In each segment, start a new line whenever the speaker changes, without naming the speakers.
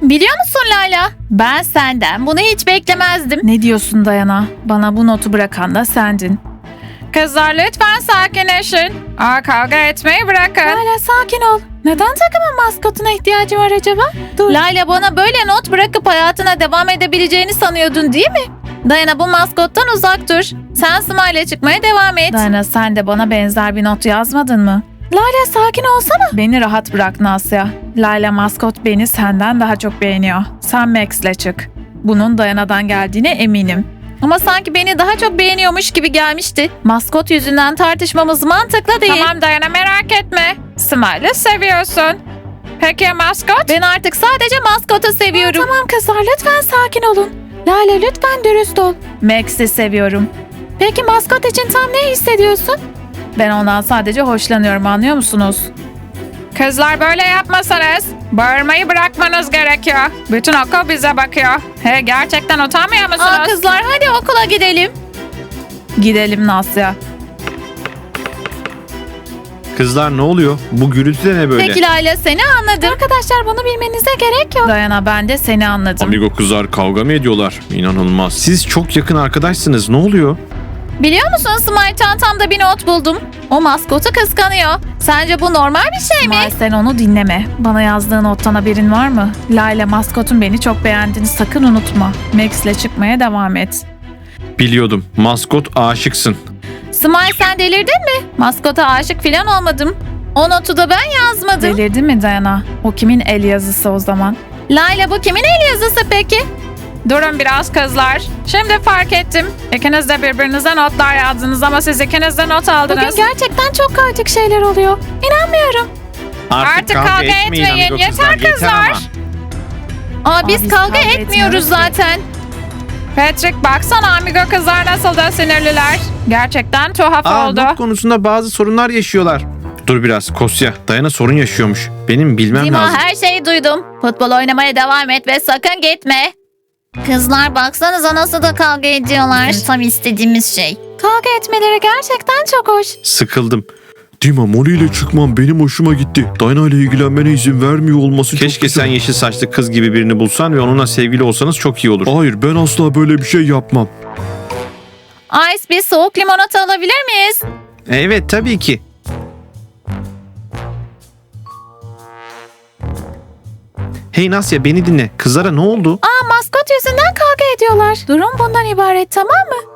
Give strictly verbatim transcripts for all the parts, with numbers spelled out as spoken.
Biliyor musun Layla? Ben senden bunu hiç beklemezdim.
Ne diyorsun Dayana? Bana bu notu bırakan da sendin.
Kızlar lütfen sakinleşin. Aa, kavga etmeyi bırakın.
Layla sakin ol. Neden takımın maskotuna ihtiyacı var acaba? Dur.
Layla bana böyle not bırakıp hayatına devam edebileceğini sanıyordun değil mi? Dayana bu maskottan uzak dur. Sen Smile'e çıkmaya devam et.
Dayana sen de bana benzer bir not yazmadın mı? Layla sakin olsana. Beni rahat bırak Nasya. Layla maskot beni senden daha çok beğeniyor. Sen Max'le çık. Bunun Dayana'dan geldiğine eminim.
Ama sanki beni daha çok beğeniyormuş gibi gelmişti. Maskot yüzünden tartışmamız mantıklı değil.
Tamam Dayana, merak etme. Smile'ı seviyorsun. Peki ya maskot?
Ben artık sadece maskotu seviyorum.
Tamam kızlar lütfen sakin olun. Layla lütfen dürüst ol. Max'i seviyorum. Peki maskot için tam ne hissediyorsun? Ben ondan sadece hoşlanıyorum, anlıyor musunuz?
Kızlar böyle yapmasanız bağırmayı bırakmanız gerekiyor. Bütün okul bize bakıyor. He, gerçekten utanmıyor musunuz?
Aa kızlar hadi okula gidelim.
Gidelim Nasya.
Kızlar ne oluyor? Bu gürültü de ne böyle?
Peki Layla seni anladım.
Arkadaşlar bunu bilmenize gerek yok. Dayana ben de seni anladım.
Amigo kızlar kavga mı ediyorlar? İnanılmaz. Siz çok yakın arkadaşsınız. Ne oluyor?
Biliyor musun Smile çantamda bir not buldum. O maskotu kıskanıyor. Sence bu normal bir şey mi?
Smile sen onu dinleme. Bana yazdığı nottan haberin var mı? Layla maskotun beni çok beğendiğini sakın unutma. Max'le çıkmaya devam et.
Biliyordum. Maskot aşıksın.
Smile sen delirdin mi? Maskota aşık falan olmadım. O notu da ben yazmadım.
Delirdin mi Dayana? O kimin el yazısı o zaman?
Layla bu kimin el yazısı peki?
Durun biraz kızlar. Şimdi fark ettim. İkiniz de birbirinize notlar yazdınız ama siz ikiniz de not aldınız.
Bugün gerçekten çok kaotik şeyler oluyor. İnanmıyorum.
Artık kavga etmeyin,
amigo
yeter kızlar.
ama.
Aa biz,
Aa, biz
kavga,
kavga
etmiyoruz
etmiyoruz ki.
zaten.
Patrick baksana amigo kızlar nasıl da sinirliler. Gerçekten tuhaf
Aa,
oldu.
not konusunda bazı sorunlar yaşıyorlar. Dur biraz Kosya. Dayana sorun yaşıyormuş. Benim bilmem
Dima
lazım.
her şeyi duydum. Futbol oynamaya devam et ve sakın gitme. Kızlar baksanıza nasıl da kavga ediyorlar. Tam istediğimiz şey.
Kavga etmeleri gerçekten çok hoş.
Sıkıldım.
Dima Molly ile çıkmam benim hoşuma gitti. Dayna ile ilgilenmene izin vermiyor olması çok
Keşke
güzel.
sen yeşil saçlı kız gibi birini bulsan ve onunla sevgili olsanız çok iyi olur.
Hayır ben asla böyle bir şey yapmam.
Ice bir soğuk limonata alabilir miyiz?
Evet tabii ki. Hey Nasya beni dinle. Kızlara ne oldu?
Aa maskot yüzünden kavga ediyorlar. Durum bundan ibaret, tamam mı?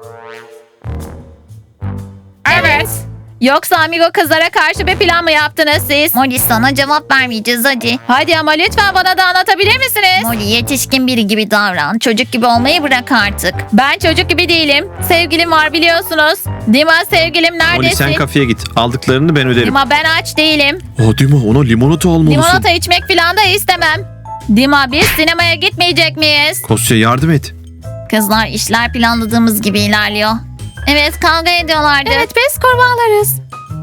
Evet.
Yoksa amigo kızlara karşı bir plan mı yaptınız siz? Molly sana cevap vermeyeceğiz hadi. Hadi ama lütfen bana da anlatabilir misiniz? Molly yetişkin biri gibi davran. Çocuk gibi olmayı bırak artık. Ben çocuk gibi değilim. Sevgilim var biliyorsunuz. Dima sevgilim
Molly
neredesin?
sen kafeye git. Aldıklarını ben öderim.
Dima ben aç değilim.
Aa Dima ona limonata almalısın.
Limonata içmek falan da istemem. Dima biz sinemaya gitmeyecek miyiz?
Kosya yardım et.
Kızlar işler planladığımız gibi ilerliyor. Evet kavga ediyorlardı.
Evet biz kurbağalarız.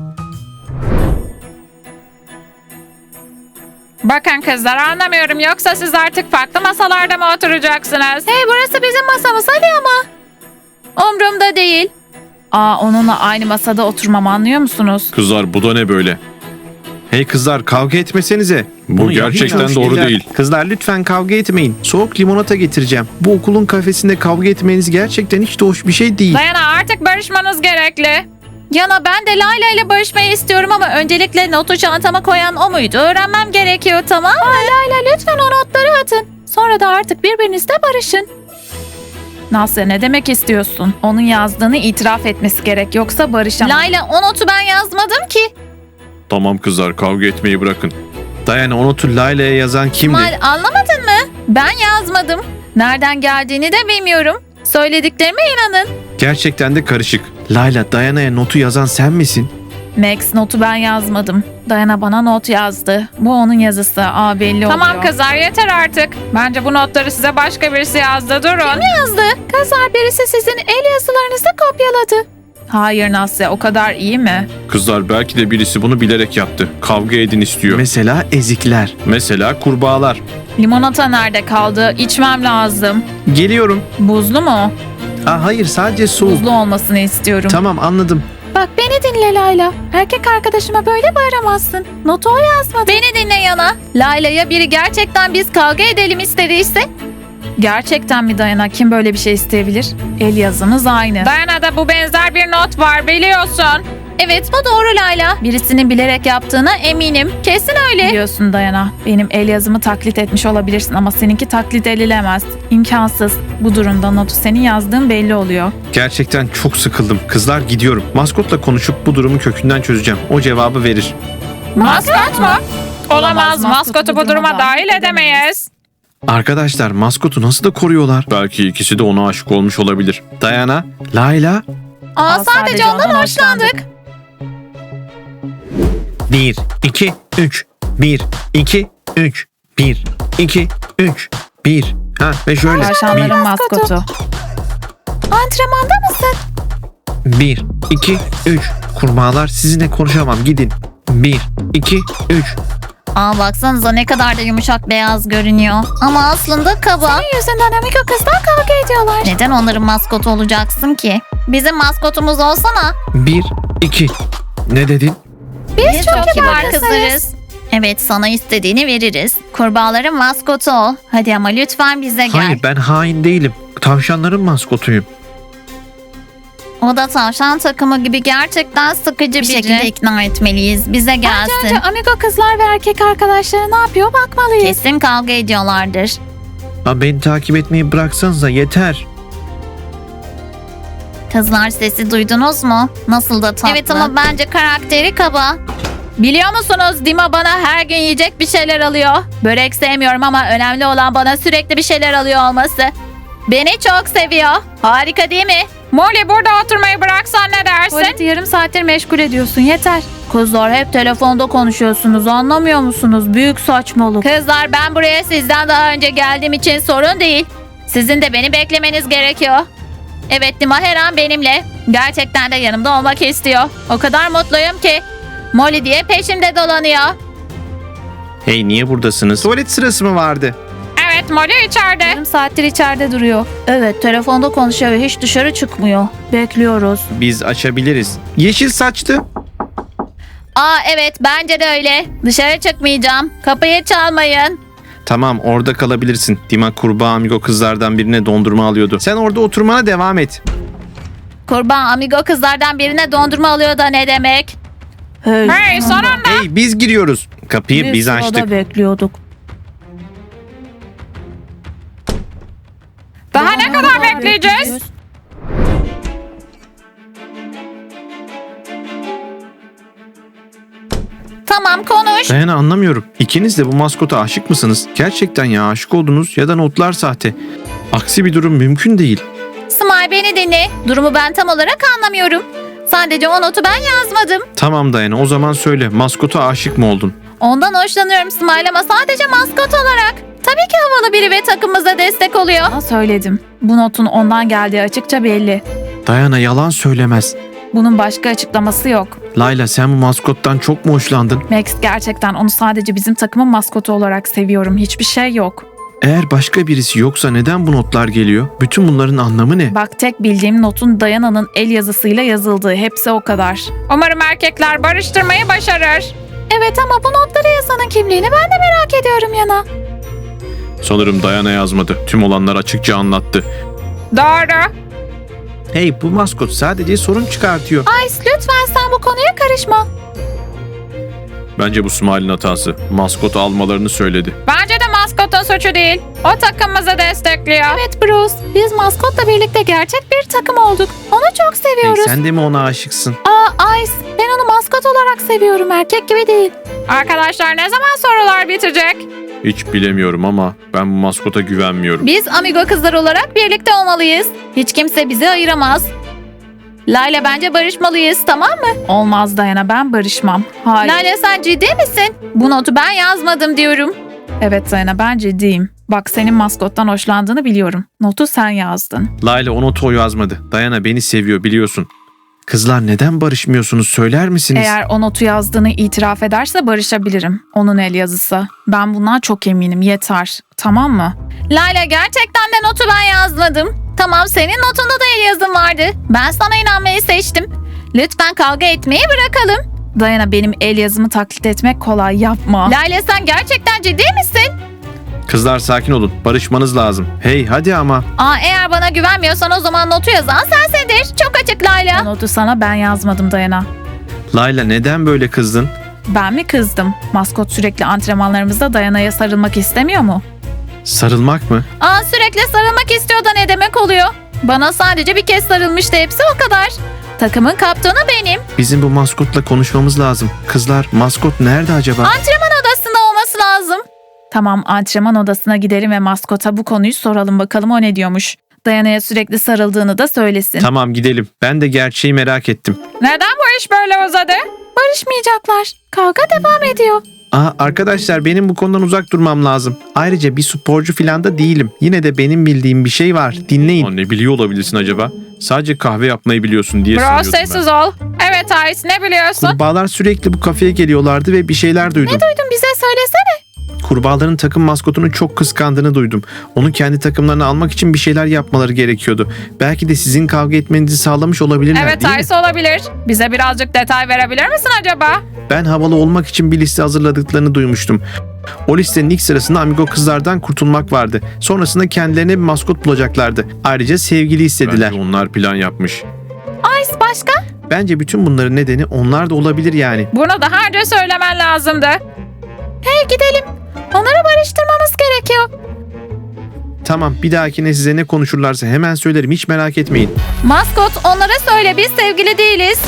Bakın kızlar anlamıyorum. Yoksa siz artık farklı masalarda mı oturacaksınız?
Hey burası bizim masamız hadi ama. Umrumda değil.
Aa onunla aynı masada oturmam, anlıyor musunuz?
Kızlar bu da ne böyle? Hey kızlar kavga etmesenize.
Bu
Bunu
gerçekten
yapmayın.
doğru
Şeyler-
değil.
Kızlar lütfen kavga etmeyin. Soğuk limonata getireceğim. Bu okulun kafesinde kavga etmeniz gerçekten hiç de hoş bir şey değil.
Dayana artık barışmanız gerekli.
Yana ben de Layla ile barışmayı istiyorum ama öncelikle notu çantama koyan o muydu? Öğrenmem gerekiyor tamam mı?
Layla lütfen o notları atın. Sonra da artık birbirinizle barışın. Nasya ne demek istiyorsun? Onun yazdığını itiraf etmesi gerek, yoksa barışamam.
Layla o notu ben yazmadım ki.
Tamam kızlar kavga etmeyi bırakın. Dayana o notu Layla'ya yazan kimdi?
Mal anlamadın mı? Ben yazmadım. Nereden geldiğini de bilmiyorum. Söylediklerime inanın.
Gerçekten de karışık. Layla Dayana'ya notu yazan sen misin?
Max notu ben yazmadım. Dayana bana not yazdı. Bu onun yazısı. Aa belli oluyor.
Tamam kızlar yeter artık. Bence bu notları size başka birisi yazdı. Durun.
yazdı. Kızlar birisi sizin el yazılarınızı kopyaladı. Hayır Nasya, o kadar iyi mi?
Kızlar belki de birisi bunu bilerek yaptı. Kavga edin istiyor. Mesela ezikler. Mesela kurbağalar.
Limonata nerede kaldı? İçmem lazım.
Geliyorum.
Buzlu mu?
Aa, hayır sadece soğuk.
Buzlu olmasını istiyorum.
Tamam anladım.
Bak beni dinle Layla. Erkek arkadaşıma böyle bağıramazsın. Notu o yazmadı.
Beni dinle Yana. Layla'ya biri gerçekten biz kavga edelim istediyse.
Gerçekten mi Dayana? Kim böyle bir şey isteyebilir? El yazımız aynı.
Dayana'da bu benzer bir not var biliyorsun.
Evet bu doğru Layla. Birisinin bilerek yaptığına eminim. Kesin öyle.
Biliyorsun Dayana. Benim el yazımı taklit etmiş olabilirsin ama seninki taklit edilemez. İmkansız. Bu durumda notu senin yazdığın belli oluyor.
Gerçekten çok sıkıldım. Kızlar gidiyorum. Maskotla konuşup bu durumu kökünden çözeceğim. O cevabı verir.
Maskot mu? Olamaz.
Maskotu
Maskotu bu duruma dahil edemeyiz.
Arkadaşlar maskotu nasıl da koruyorlar?
Belki ikisi de ona aşık olmuş olabilir.
Dayana, Layla.
Aa, sadece ondan hoşlandık.
Bir, iki, üç. Bir, iki, üç. Bir, iki, üç. Bir. Ha ve şöyle.
Tavşanların maskotu.
Antrenmanda mısın?
Bir, iki, üç. Kurbağalar sizinle konuşamam. Gidin. Bir, iki, üç.
Aa baksanıza ne kadar da yumuşak beyaz görünüyor. Ama aslında kaba. Senin yüzünden amigo kızlar kavga ediyorlar. Neden onların maskotu olacaksın ki? Bizim maskotumuz olsana.
Bir, iki. Ne dedin?
Biz, çok, kibar kızlarız. Evet sana istediğini veririz. Kurbağaların maskotu ol. Hadi ama lütfen bize gel.
Hayır ben hain değilim. Tavşanların maskotuyum.
O da tavşan takımı gibi gerçekten sıkıcı bir
biri.
şekilde ikna etmeliyiz. Bize gelsin.
Önce amigo kızlar ve erkek arkadaşları ne yapıyor bakmalıyız.
Kesin kavga ediyorlardır.
Ha, beni takip etmeyi bıraksanıza yeter.
Kızlar sesi duydunuz mu? Nasıl da tatlı. Evet ama bence karakteri kaba. Biliyor musunuz Dima bana her gün yiyecek bir şeyler alıyor. Börek sevmiyorum ama önemli olan bana sürekli bir şeyler alıyor olması. Beni çok seviyor. Harika değil mi?
Molly burada oturmayı bıraksan ne dersin?
Tuvaleti yarım saattir meşgul ediyorsun yeter.
Kızlar hep telefonda konuşuyorsunuz anlamıyor musunuz? Büyük saçmalık. Kızlar ben buraya sizden daha önce geldiğim için sorun değil. Sizin de beni beklemeniz gerekiyor. Evet Dima her an benimle. Gerçekten de yanımda olmak istiyor. O kadar mutluyum ki. Molly diye peşimde dolanıyor.
Hey niye buradasınız? Tuvalet sırası mı vardı?
Evet Molly içeride.
Yarım saattir içeride duruyor.
Evet telefonda konuşuyor ve hiç dışarı çıkmıyor.
Bekliyoruz.
Biz açabiliriz. Yeşil saçtı.
Aa evet bence de öyle. Dışarı çıkmayacağım. Kapıyı çalmayın.
Tamam orada kalabilirsin. Dima kurbağa amigo kızlardan birine dondurma alıyordu. Sen orada oturmana devam et.
Kurban amigo kızlardan birine dondurma alıyor da ne demek?
Hey,
Hey sonunda.
Hey biz giriyoruz. Kapıyı biz
sırada
açtık.
bekliyorduk.
Daha ne kadar bekleyeceğiz?
Tamam konuş.
Dayana anlamıyorum. İkiniz de bu maskota aşık mısınız? Gerçekten ya aşık oldunuz ya da notlar sahte. Aksi bir durum mümkün değil.
Smile beni dinle. Durumu ben tam olarak anlamıyorum. Sadece o notu ben yazmadım.
Tamam Dayana o zaman söyle maskota aşık mı oldun?
Ondan hoşlanıyorum Smile ama sadece maskot olarak. Tabii ki havalı biri ve takımımıza destek oluyor.
Ama söyledim. Bu notun ondan geldiği açıkça belli.
Dayana yalan söylemez.
Bunun başka açıklaması yok.
Layla sen bu maskottan çok mu hoşlandın?
Max gerçekten onu sadece bizim takımın maskotu olarak seviyorum. Hiçbir şey yok.
Eğer başka birisi yoksa neden bu notlar geliyor? Bütün bunların anlamı ne?
Bak tek bildiğim notun Dayana'nın el yazısıyla yazıldığı. Hepsi o kadar.
Umarım erkekler barıştırmayı başarır.
Evet ama bu notları yazanın kimliğini ben de merak ediyorum Yana.
Sanırım Dayana yazmadı. Tüm olanlar açıkça anlattı.
Doğru.
Hey bu maskot sadece sorun çıkartıyor.
Ice lütfen sen bu konuya karışma.
Bence bu Smile'in hatası. Maskot almalarını söyledi.
Bence de maskotun suçu değil. O takımımızı destekliyor.
Evet Bruce, biz maskotla birlikte gerçek bir takım olduk. Onu çok
Hey,
seviyoruz.
sen de mi ona aşıksın?
Aa Ice, ben onu maskot olarak seviyorum. Erkek gibi değil.
Arkadaşlar ne zaman sorular bitecek?
Hiç bilemiyorum ama ben bu maskota güvenmiyorum.
Biz amigo kızlar olarak birlikte olmalıyız. Hiç kimse bizi ayıramaz. Layla bence barışmalıyız tamam mı?
Olmaz Dayana, ben barışmam. Hayır.
Layla sen ciddi misin? Bu notu ben yazmadım diyorum.
Evet Dayana, ben ciddiyim. Bak senin maskottan hoşlandığını biliyorum. Notu sen yazdın.
Layla o notu o yazmadı. Dayana beni seviyor biliyorsun. Kızlar neden barışmıyorsunuz söyler misiniz?
Eğer o notu yazdığını itiraf ederse barışabilirim. Onun el yazısı. Ben bundan çok eminim. Yeter. Tamam mı?
Layla gerçekten de notu ben yazmadım. Tamam senin notunda da el yazın vardı. Ben sana inanmayı seçtim. Lütfen kavga etmeyi bırakalım.
Dayana, benim el yazımı taklit etmek kolay, yapma.
Layla sen gerçekten ciddi misin?
Kızlar sakin olun. Barışmanız lazım. Hey hadi ama.
Aa, eğer bana güvenmiyorsan o zaman notu yazan sensindir. Çok açık
O
Layla.
notu sana ben yazmadım Dayana.
Layla neden böyle kızdın?
Ben mi kızdım? Maskot sürekli antrenmanlarımızda Dayana'ya sarılmak istemiyor mu?
Sarılmak mı?
Aa, sürekli sarılmak istiyor da ne demek oluyor? Bana sadece bir kez sarılmıştı, hepsi o kadar. Takımın kaptanı benim.
Bizim bu maskotla konuşmamız lazım. Kızlar maskot nerede acaba?
Antrenman odasında olması lazım.
Tamam, antrenman odasına gidelim ve maskota bu konuyu soralım, bakalım o ne diyormuş. Dayana'ya sürekli sarıldığını da söylesin.
Tamam gidelim. Ben de gerçeği merak ettim.
Neden bu iş böyle uzadı?
Barışmayacaklar. Kavga devam ediyor.
Aa, arkadaşlar benim bu konudan uzak durmam lazım. Ayrıca bir sporcu falan da değilim. Yine de benim bildiğim bir şey var. Dinleyin. Ne biliyor olabilirsin acaba? Sadece kahve yapmayı biliyorsun diye
Bro sessiz ol. Evet Ice, ne biliyorsun?
Kurbağalar sürekli bu kafeye geliyorlardı ve bir şeyler duydum.
Duydum, bize söylesene.
Kurbağaların takım maskotunu çok kıskandığını duydum. Onu kendi takımlarına almak için bir şeyler yapmaları gerekiyordu. Belki de sizin kavga etmenizi sağlamış olabilirler,
Evet
değil mi?
Ice olabilir. Bize birazcık detay verebilir misin acaba?
Ben havalı olmak için bir liste hazırladıklarını duymuştum. O listenin ilk sırasında amigo kızlardan kurtulmak vardı. Sonrasında kendilerine bir maskot bulacaklardı. Ayrıca sevgili istediler. Bence onlar plan yapmış.
Ice başka?
Bence bütün bunların nedeni onlar da olabilir yani.
Bunu daha önce söylemen lazımdı.
Hey gidelim. Onları barıştırmamız gerekiyor.
Tamam, bir dahakine size ne konuşurlarsa hemen söylerim, hiç merak etmeyin.
Maskot, onlara söyle biz sevgili değiliz.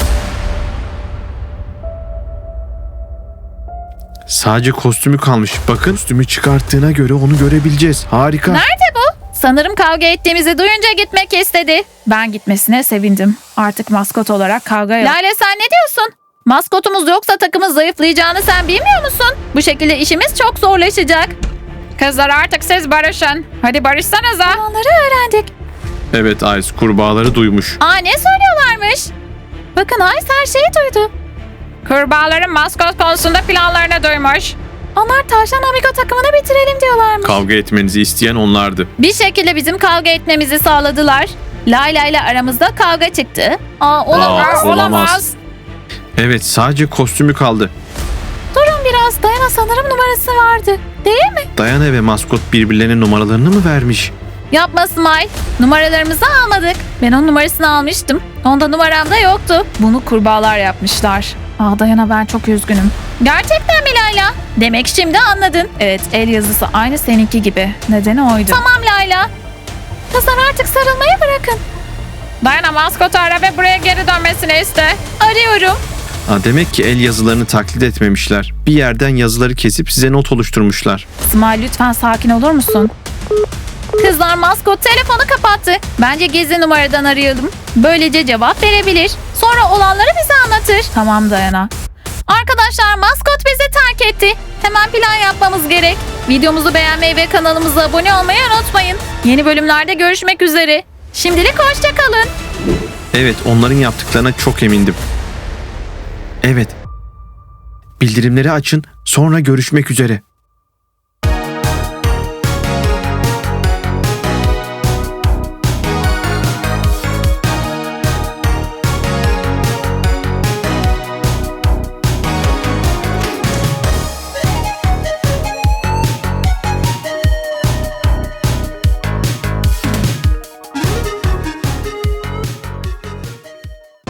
Sadece kostümü kalmış. Bakın, kostümü çıkarttığına göre onu görebileceğiz. Harika.
Nerede bu? Sanırım kavga ettiğimizi duyunca gitmek istedi.
Ben gitmesine sevindim. Artık maskot olarak kavga yok.
Lale sen ne diyorsun? Maskotumuz yoksa takımın zayıflayacağını sen bilmiyor musun? Bu şekilde işimiz çok zorlaşacak.
Kızlar artık siz barışın. Hadi barışsanıza.
Onları öğrendik.
Evet Ice, kurbağaları duymuş.
Aa, ne söylüyorlarmış? Bakın Ice her şeyi duydu.
Kurbağaların maskot konusunda planlarını duymuş.
Onlar tavşan amigo takımını bitirelim diyorlarmış.
Kavga etmenizi isteyen onlardı.
Bir şekilde bizim kavga etmemizi sağladılar. Layla ile aramızda kavga çıktı. Aa, olamaz.
Aa, olamaz. Evet, sadece kostümü kaldı.
Durun biraz. Dayana sanırım numarası vardı. Değil mi?
Dayana ve maskot birbirlerine numaralarını mı vermiş?
Yapma Smile. Numaralarımızı almadık. Ben onun numarasını almıştım. Onda numaram da yoktu.
Bunu kurbağalar yapmışlar. Aa Dayana, ben çok üzgünüm.
Gerçekten mi Layla? Demek şimdi anladın.
Evet, el yazısı aynı seninki gibi. Nedeni oydu.
Tamam Layla. Kızlar artık sarılmayı bırakın.
Dayana maskotu ara ve buraya geri dönmesini iste.
Arıyorum.
Ha, demek ki el yazılarını taklit etmemişler. Bir yerden yazıları kesip size not oluşturmuşlar.
Smile, lütfen sakin olur musun?
Kızlar, maskot telefonu kapattı. Bence gizli numaradan arayalım. Böylece cevap verebilir. Sonra olanları bize anlatır.
Tamam Dayana.
Arkadaşlar, maskot bizi terk etti. Hemen plan yapmamız gerek. Videomuzu beğenmeyi ve kanalımıza abone olmayı unutmayın. Yeni bölümlerde görüşmek üzere. Şimdilik hoşça kalın.
Evet, onların yaptıklarına çok emindim. Evet. Bildirimleri açın, sonra görüşmek üzere.